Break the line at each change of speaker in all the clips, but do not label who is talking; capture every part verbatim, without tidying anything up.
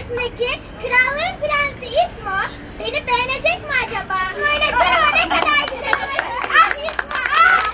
karşısındaki krallığın prensi İsmo beni beğenecek mi acaba? Böyle canıma ne kadar güzel olur. Ah İsmo ah!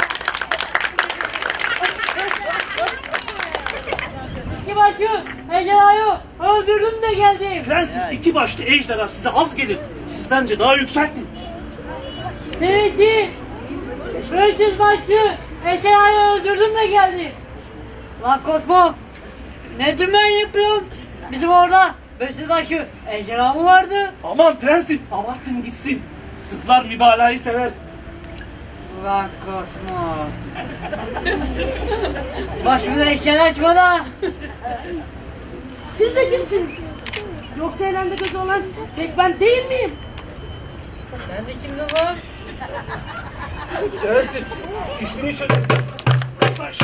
İki başı ejderhayı öldürdüm de geldim.
Prensim, iki başlı ejderha size az gelir. Siz bence daha yükseltin.
Seninki beş yüz başlı ejderhayı öldürdüm de geldim. Lan Kosmo, ne dümen yapıyorsun? Bizim orada beş yüz başlı ejderha mı vardı?
Aman prensim, abartın gitsin. Kızlar mübalağayı sever.
Ulan Kosmo. Başımıza işler açma da.
Siz de kimsiniz? Yoksa elimde gözü olan tek ben değil miyim?
Ben de kimdim var?
Prensim, ismini çözün. Yaklaş.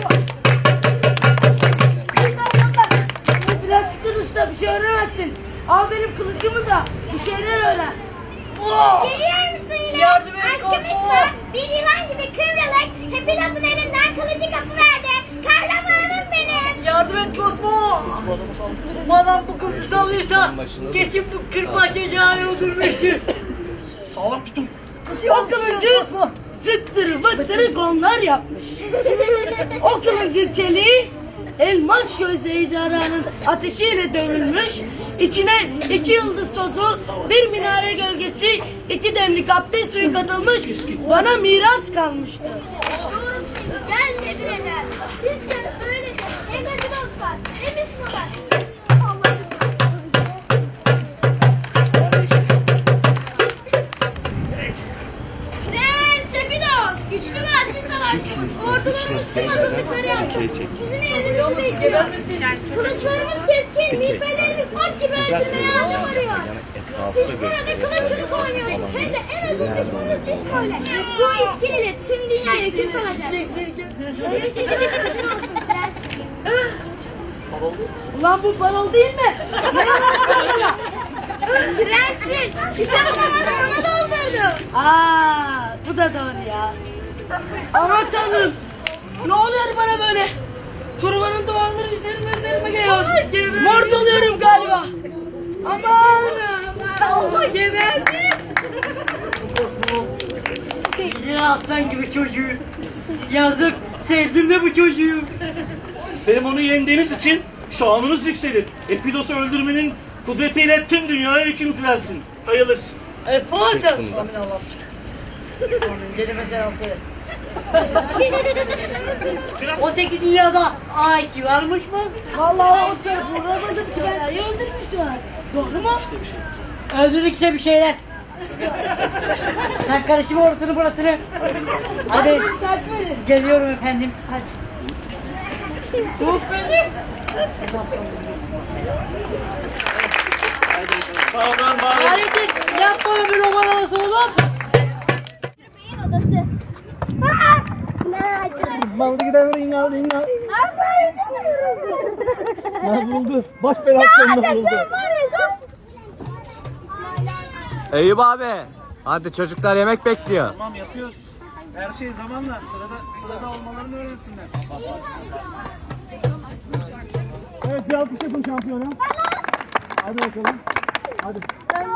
Bu plastik kılıçla bir şey öğrenemezsin. Al benim kılıcımı da bir şeyler öğren.
Geliyor musun yine?
Yardım et,
Aşkım
Kosmo.
İsmo bir yılan gibi kıvrılık Hepilos'un elinden kılıcı kapıverdi. Kahramanım benim.
Yardım et Kosmo. Madem bu kızı salıyorsa kesin bu kırbaç ejderhayı öldürmüştür.
Sağlam tutun.
O kılıcı zıttırı vıttırı gonlar yapmış. O kılıcın çeliği elmas gözlü ejderhanın ateşiyle dövülmüş. İçine iki yıldız tozu, bir minare gölgesi, iki demlik abdest suyu katılmış. Bana miras kalmıştır.
Gel Nedir eder. Biz de böylece hem Hepilos var hem İsmo var. Prens Hepilos, güçlü ve asil savaşçımız. Ordularımız tüm hazırlıkları yaptı. Sizin emrinizi bekliyor. Kılıçlarımız keskin, miğferlerimiz ot gibi öldürmeye adam arıyor. Siz burada kılıççılık oynuyorsunuz. Hem de en azın düşmanınız İsmo'yla. Bu iskeleyle tüm dünyaya hüküm salacağız. Ölüm çekimi sizin olsun prens.
Ulan bu parol değil mi? Ne yalan bana?
Prensim, şişe bulamadım ona doldurdum.
Aa, bu da doğru ya. Aman tanrım. Ne oluyor bana böyle? Turbanın duvarları üzerime üzerime geliyor. Mort oluyorum galiba. Aman.
Allah geberdi. Yine aslan gibi çocuğu. Yazık, sevdim de bu çocuğu.
Benim onu yendiğiniz için şanınız yükselir. Epidos'u öldürmenin kudretiyle tüm dünyaya hüküm sürersin. Hayırlı.
E Fatih. Amin Allah'ım. Amin. Celime selam söyle. O teki dünyada A iki varmış mı?
Vallahi o tarafı uğramadım ki ben ayı öldürmüştüm. Doğru mu?
Öldürdük işte bir şeyler. Sen karıştırma orasını burasını. Hadi.
Hadi takip edin.
Geliyorum efendim. Hadi.
Çok beni.
Sağ olun, var olun.
Hareket yapma bir roman havası oğlum.
Beyin odası. Aa! Ne acı.
Maldı gider ringal ringal.
Aferin.
Ne buldu? Baş belasyonunda buldu.
Eyüp abi. Hadi çocuklar yemek bekliyor.
Tamam yapıyoruz. Her şey zamanla. Sırada, sırada olmalarını öğrensinler. Evet bir alkış yapın şampiyona. Hadi bakalım. Hadi.